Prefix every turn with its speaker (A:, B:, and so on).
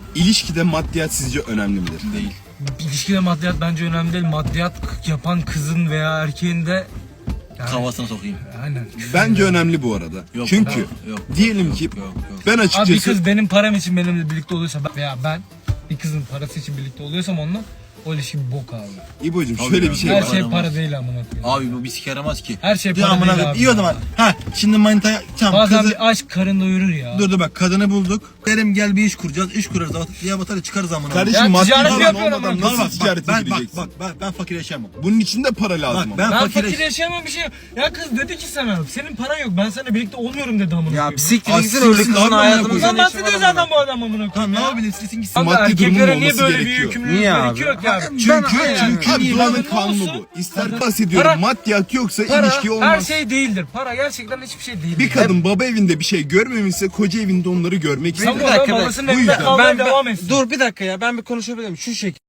A: İlişkide maddiyat sizce önemli midir?
B: Değil.
C: İlişkide maddiyat bence önemli değil. Maddiyat yapan kızın veya erkeğin de yani,
B: Kafasına sokayım.
C: aynen.
A: Bence önemli bu arada.
B: Yok,
A: Çünkü
B: yok,
A: diyelim ki
B: yok.
A: ben
C: Abi
A: açıkçası
C: bir kız benim param için benimle birlikte oluyorsa veya ben bir kızın parası için birlikte oluyorsam onunla o ilişki bir bok abi.
A: İbo'cum
B: Tabii
A: şöyle
B: ya.
A: bir şey
C: Her
A: var.
C: şey
B: Yaramaz.
C: para değil amına koyayım.
B: Abi bu bir sike yaramaz ki.
C: Her şey
B: Dur
C: para
B: amına
C: değil
B: koyayım.
C: abi.
B: İyi o zaman. Ha şimdi manitaya tamam
C: Bazen
B: kızı...
C: bir aşk karın doyurur ya.
B: Dur bak kadını bulduk. Derim gel bir iş kuracağız. İş kurarız. Diye batarız çıkarız amına.
A: Kardeşim
C: Ya
A: maddi
C: ticaret
A: olan
C: yapıyorum
A: olmadan
C: ama.
A: nasıl ticarete
B: ben,
A: gireceksin?
B: ben fakir yaşayamam.
A: Bunun için de para lazım
B: Bak
A: ama.
B: ben
C: Ben
B: fakir
C: fakir yaşayamam bir şey. Ya kız dedi ki sana senin paran yok ben seninle birlikte olmuyorum dedi amına
D: Ya
C: koyayım.
D: siktir
A: Aa,
D: gitsin öyle
A: siktir
D: kızın
A: lan
D: hayatımızda
A: amına
C: Sen
D: ne işi var
C: bahsediyor
D: amına?
C: zaten bu adam amına
B: Tamam
C: koyayım
B: ne
C: ya.
B: yapabilirsin gitsin.
C: Kanka
A: Maddi durumun
C: erkeklere niye
A: olması
C: böyle bir
A: gerekiyor.
C: yükümlülük
D: Niye abi?
C: gerekiyor ki abi?
A: Çünkü abi
C: Para
A: doğanın kanunu
C: olsun.
A: bu. İster bahsediyorum
C: Para-
A: maddiyat yoksa
C: Para
A: ilişki olmaz.
C: her şey değildir. Para gerçekten hiçbir şey değildir.
A: Bir kadın baba evinde bir şey görmemişse koca evinde onları görmek
C: Sen
A: ister.
C: bu adam babasının
A: Bu
C: evinde
A: yüzden.
C: kalmaya devam etsin.
D: Dur bir dakika ya ben bir konuşabilir miyim? Şu şekilde.